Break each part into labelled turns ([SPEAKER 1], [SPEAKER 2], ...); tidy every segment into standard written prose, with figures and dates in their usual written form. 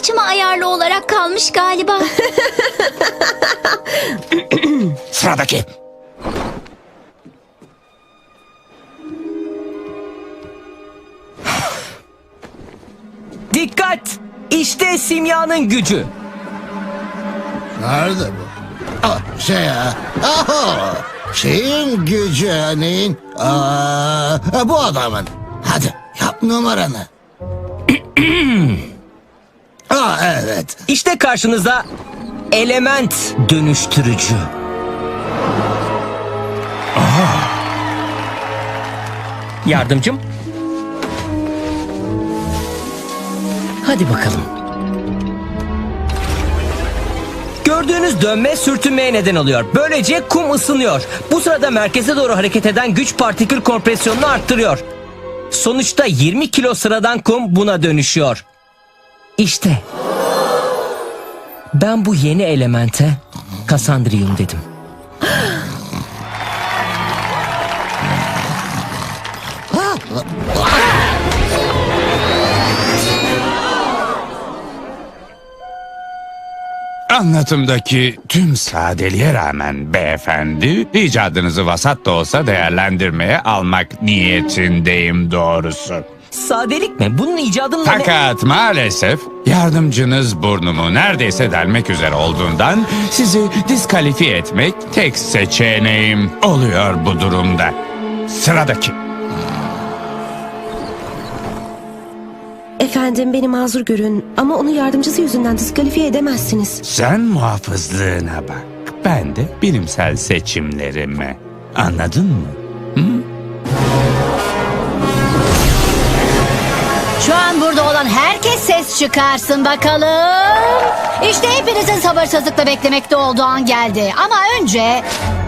[SPEAKER 1] saçıma ayarlı olarak kalmış galiba.
[SPEAKER 2] Sıradaki.
[SPEAKER 3] Dikkat! İşte simyanın gücü.
[SPEAKER 4] Nerede bu? Şeyin gücü neyin? Bu adamın. Hadi yap numaranı. Evet.
[SPEAKER 3] İşte karşınızda element dönüştürücü. Yardımcım. Hadi bakalım. Gördüğünüz dönme sürtünmeye neden oluyor. Böylece kum ısınıyor. Bu sırada merkeze doğru hareket eden güç partikül kompresyonunu arttırıyor. Sonuçta 20 kilo sıradan kum buna dönüşüyor. İşte. Ben bu yeni elemente Kasandriyum dedim.
[SPEAKER 2] Anlatımdaki tüm sadeliğe rağmen beyefendi, icadınızı vasat da olsa değerlendirmeye almak niyetindeyim doğrusu.
[SPEAKER 3] Sadelik mi? Bunun icadının...
[SPEAKER 2] Fakat maalesef yardımcınız burnumu neredeyse delmek üzere olduğundan sizi diskalifiye etmek tek seçeneğim oluyor bu durumda. Sıradaki.
[SPEAKER 5] Efendim beni mazur görün ama onu yardımcısı yüzünden diskalifiye edemezsiniz.
[SPEAKER 2] Sen muhafızlığına bak. Ben de bilimsel seçimlerime. Anladın mı?
[SPEAKER 6] Şu an burada olan herkes ses çıkarsın bakalım. İşte hepinizin sabırsızlıkla beklemekte olduğu an geldi. Ama önce...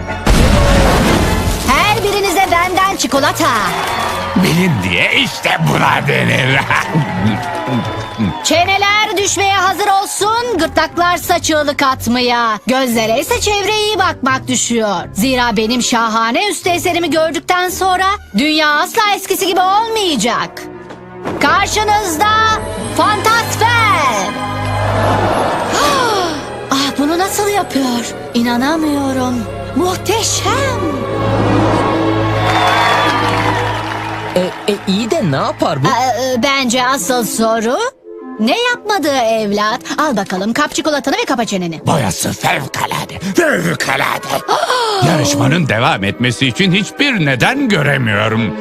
[SPEAKER 6] her birinize benden çikolata.
[SPEAKER 2] Bilim diye işte buna denir.
[SPEAKER 6] Çeneler düşmeye hazır olsun, gırtlaklarsa çığlık atmaya. Gözlere ise çevreye iyi bakmak düşüyor. Zira benim şahane üstü eserimi gördükten sonra dünya asla eskisi gibi olmayacak. Karşınızda Fantasfer. Bunu nasıl yapıyor? İnanamıyorum. Muhteşem.
[SPEAKER 3] İyi de ne yapar bu?
[SPEAKER 6] Bence asıl soru ne yapmadığı evlat. Al bakalım kap çikolatanı ve kapa çeneni.
[SPEAKER 2] Boyası fevkalade, fevkalade. Yarışmanın devam etmesi için hiçbir neden göremiyorum.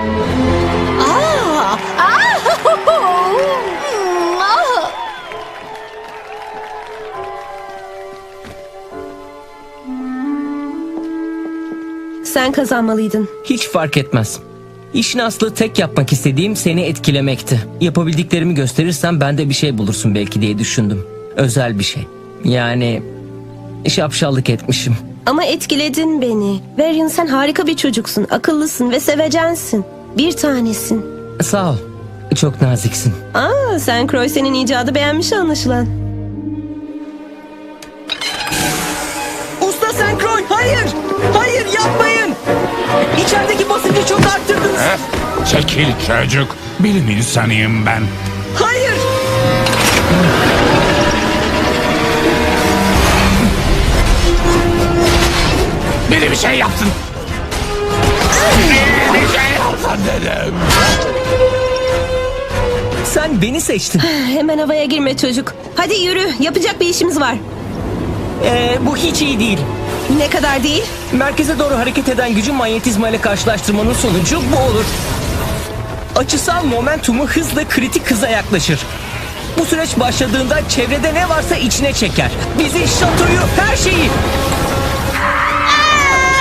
[SPEAKER 5] Sen kazanmalıydın.
[SPEAKER 3] Hiç fark etmez. İşin aslı tek yapmak istediğim seni etkilemekti. Yapabildiklerimi gösterirsem ben de bir şey bulursun belki diye düşündüm. Özel bir şey. Yani şapşallık etmişim.
[SPEAKER 5] Ama etkiledin beni. Varian sen harika bir çocuksun. Akıllısın ve sevecensin. Bir tanesin.
[SPEAKER 3] Sağ ol. Çok naziksin.
[SPEAKER 5] Sen Croysen'in icadı beğenmiş anlaşılan.
[SPEAKER 3] Usta Senkron, hayır! Hayır, yapmayın! İçerideki basıncı çok arttırdınız.
[SPEAKER 2] Çekil çocuk, bilim insanıyım ben.
[SPEAKER 3] Hayır!
[SPEAKER 2] Biri bir şey yapsın. Biri bir şey yapsın dedim.
[SPEAKER 3] Sen beni seçtin.
[SPEAKER 5] Hemen havaya girme çocuk. Hadi yürü. Yapacak bir işimiz var.
[SPEAKER 3] Bu hiç iyi değil.
[SPEAKER 5] Ne kadar değil?
[SPEAKER 3] Merkeze doğru hareket eden gücü manyetizma ile karşılaştırmanın sonucu bu olur. Açısal momentumu hızla kritik hıza yaklaşır. Bu süreç başladığında çevrede ne varsa içine çeker. Bizi, şatoyu, her şeyi.